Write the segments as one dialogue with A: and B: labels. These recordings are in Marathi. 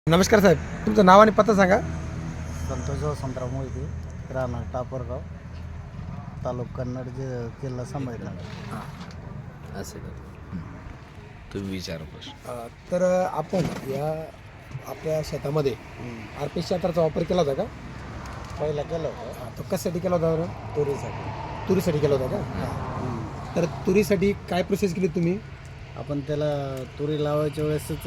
A: नमस्कार साहेब, तुमचं नाव आणि पत्ता सांगा.
B: संतोष वसंतराव मोहिते, राहणार टापरगाव, तालुका कन्नड, जिल्हा संभाजीनगर.
C: असं का तुम्ही विचारा प्रश्न.
A: तर आपण या आपल्या शेतामध्ये आरपीएस यंत्राचा वापर केला होता का?
B: पहिला केलं होतं
A: तो कशासाठी केला होता बरं? तुरीसाठी केला होता का? तर तुरीसाठी काय प्रोसेस केली तुम्ही?
B: आपण त्याला तुरी लावायच्या वेळेसच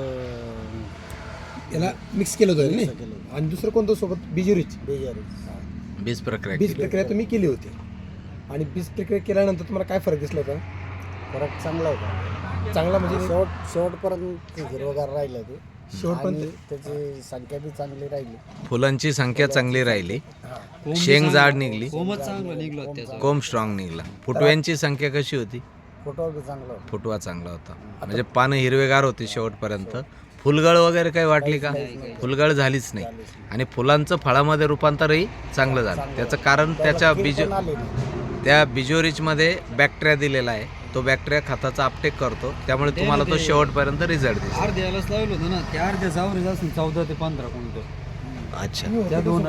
A: याला मिक्स केलं होतं
B: केलं
A: नाही,
B: होतं.
A: आणि दुसरं कोणतं सोबत बिजुरीच
B: बेजारी
C: बीज प्रक्रिया
A: बीज
C: केली.
A: प्रक्रिया तुम्ही केली होती. आणि बीज प्रक्रिया केल्यानंतर तुम्हाला काय फरक दिसला होता?
B: फरक चांगला होता.
A: चांगला म्हणजे
B: शेवटपर्यंत हिरवगार राहिलं ते.
A: शेवटपर्यंत
B: आणि त्याची संख्या बी चांगली राहिली.
C: फुलांची संख्या चांगली राहिली, शेंग जाड निघली,
D: चांगलं निघलं त्याचा.
C: कोंब स्ट्रॉंग निघला. फुटव्यांची संख्या कशी होती?
B: फोटो बी चांगला होता.
C: फुटवा चांगला होता, म्हणजे पानं हिरवेगार होती शेवटपर्यंत. फुलगळ वगैरे काही वाटली का? फुलगळ झालीच नाही. आणि फुलांचं फळामध्ये रूपांतरही चांगलं झालं. त्याचं कारण त्याच्या
B: पण आले नाही.
C: त्या बिजोरिचमध्ये बॅक्टेरिया दिलेला आहे. तो बॅक्टेरिया खताचा अपटेक करतो, त्यामुळे तुम्हाला तो शेवटपर्यंत रिझल्ट दिसतो.
D: अर्ध्यालाच लावलं होतं ना, त्या अर्ध्या जावरेज असून 14 ते 15 क्विंटल.
C: अच्छा
D: त्या दोन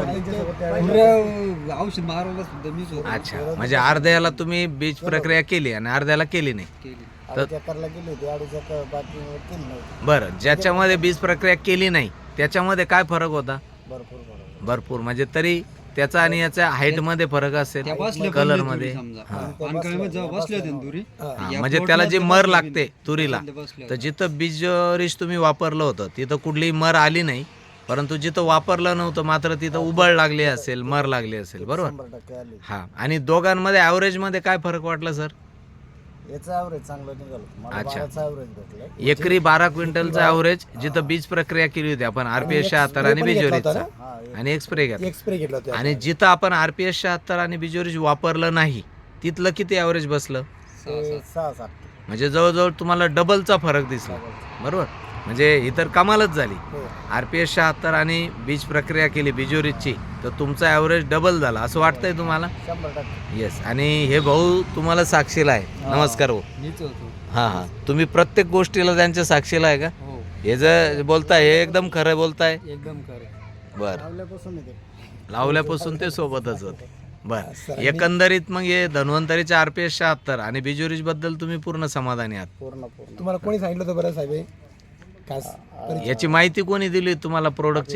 D: पुऱ्या औषध मारवलं सुद्धा मीच होतो.
C: अच्छा, म्हणजे अर्ध्याला तुम्ही बीज प्रक्रिया केली आणि अर्ध्याला केली नाही.
D: केली.
B: 2.5 एकरला गेली होती, 2.5 एकर बाकी केली नव्हती.
C: बरं, ज्याच्यामध्ये बीज प्रक्रिया केली नाही त्याच्यामध्ये काय फरक होता?
B: भरपूर फरक.
C: भरपूर, म्हणजे तरी त्याचा आणि याच्या हाईट मध्ये फरक असेल,
D: त्या बसल्या
C: कलर
D: पण
C: मध्ये.
D: तुरी समजा. पानकळीमध्ये जेव्हा बसले होते ना तुरी,
C: हा,
D: या
C: म्हणजे त्याला जी
D: प्लॉटला
C: मर
D: बसले
C: लागते
D: नाही.
C: तुरीला,
D: बसले
C: तर जिथं बीज रिच तुम्ही वापरलं होतं तिथं कुठलीही मर आली नाही, परंतु जिथं वापरलं नव्हतं मात्र तिथं उबळ लागली असेल, मर लागली असेल. बरोबर.
B: 100% आली.
C: हा, आणि दोघांमध्ये ॲव्हरेज मध्ये काय फरक वाटला सर?
B: याचं ॲव्हरेज चांगलं निघालं. मला
C: अच्छा.
B: 12चं ॲव्हरेज भेटलं.
C: एकरी 12 क्विंटलचं ॲव्हरेज जिथं बीज प्रक्रिया केली होती आपण RPS 76 आणि बिजोरीचा,
B: हा,
C: आणि एक स्प्रे घ्या.
A: एक स्प्रे घेतला होता.
C: आणि जिथं आपण RPS 76 आणि बिजोरीज वापरलं नाही तिथलं किती ॲव्हरेज बसलं?
B: 6-7.
C: म्हणजे जवळजवळ तुम्हाला डबलचा फरक दिसला. बरोबर, म्हणजे ही तर कमालच झाली.
A: हो.
C: RPS 76 आणि बीज प्रक्रिया केली बिजोरीची, तर तुमचा ॲव्हरेज डबल झाला असं वाटतंय तुम्हाला?
B: 100%.
C: येस. आणि हे भाऊ तुम्हाला साक्षीला आहे. नमस्कार भाऊ.
D: मीच होतो.
C: हां हां, तुम्ही प्रत्येक गोष्टीला त्यांच्या साक्षीला आहे का?
D: हो,
C: हे जे बोलताय हे एकदम खरं बोलताय.
D: एकदम खरं.
C: बरं,
B: लावल्यापासून येते.
C: लावल्यापासून ते सोबतच होते. बरं,
A: सरांनी-
C: एकंदरीत मग हे धन्वंतरीच्या RPS 76 आणि बिजोरीज बद्दल तुम्ही पूर्ण समाधानी आहात?
B: पूर्ण.
A: तुम्हाला कोणी सांगितलं होतं बरं साहेब हे? खास
C: याची माहिती कोणी दिली तुम्हाला प्रोडक्टची?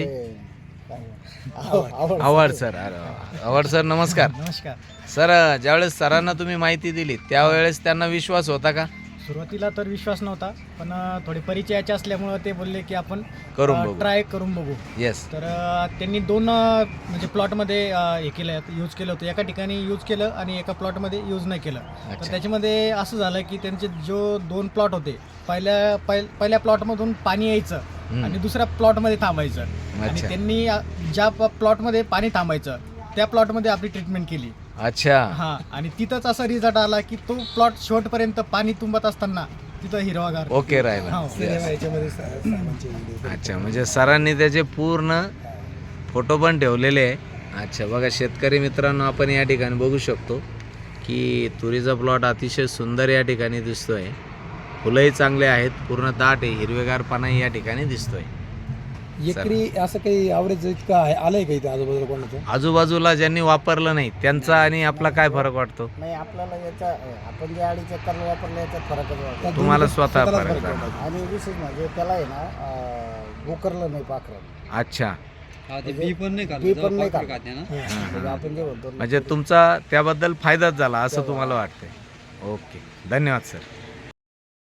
B: आवड.
C: आव्हाड सर. आव्हाड सर, नमस्कार.
D: नमस्कार.
C: सर, ज्यावेळेस सरांना तुम्ही माहिती दिली त्यावेळेस त्यांना विश्वास होता का?
E: सुरुवातीला तर विश्वास नव्हता, पण थोडे परिचयाचे असल्यामुळं ते बोलले की आपण
C: करून बघू.
E: ट्राय करून बघू.
C: येस.
E: तर त्यांनी दोन म्हणजे प्लॉटमध्ये हे केलं, यूज केलं होतं. एका ठिकाणी यूज केलं आणि एका प्लॉटमध्ये यूज नाही केलं.
C: अच्छा.
E: तर त्याच्यामध्ये असं झालं की त्यांचे जो 2 प्लॉट होते, पहिल्या प्लॉटमधून पाणी यायचं आणि दुसऱ्या प्लॉटमध्ये थांबायचं. आणि
C: अच्छा.
E: त्यांनी ज्या प्लॉटमध्ये पाणी थांबायचं त्या प्लॉटमध्ये आपली ट्रीटमेंट केली.
C: अच्छा.
E: हा, आणि तिथंच असा रिझल्ट आला की तो प्लॉट शेवटपर्यंत पाणी तुंबत असताना तिथं हिरवागार.
C: ओके राहिला.
E: हो.
A: सिनेमा याच्यामध्ये साहेबांचे व्हिडिओ.
C: अच्छा, म्हणजे सरांनी त्याचे पूर्ण फोटो पण ठेवलेले आहे. अच्छा, बघा शेतकरी मित्रांनो, आपण या ठिकाणी बघू शकतो की तुरीचा प्लॉट अतिशय सुंदर या ठिकाणी दिसतोय. फुलंही चांगले आहेत, पूर्ण दाट आहे, हिरवेगारपणाही या ठिकाणी दिसतोय.
A: एकरी असं काही ॲव्हरेज इतकं आलंय का इथे आजूबाजूला कोणाचं?
C: आजूबाजूला ज्यांनी वापरलं नाही त्यांचा आणि आपला काय फरक वाटतो?
B: नाही, आपल्याला याचा आपण जे 2.5 एकरला वापरलं याच्यात फरकच वाटतो.
C: तुम्हाला स्वतः
A: स्वतःलाच
C: फरक
A: फरक
C: जाणवतो.
A: वाटतो.
B: आणि विशेष म्हणजे त्याला आहे ना गोकरलं नाही पाखरं.
C: अच्छा,
D: हा, ते बी पण नाही
B: बी पण नाही
D: खाल्लं.
B: खाल्लं.
D: खाते ना.
B: म्हणजे आपण जे म्हणतो
C: म्हणजे तुमचा त्याबद्दल फायदाच झाला असं तुम्हाला वाटतंय? ओके, धन्यवाद सर.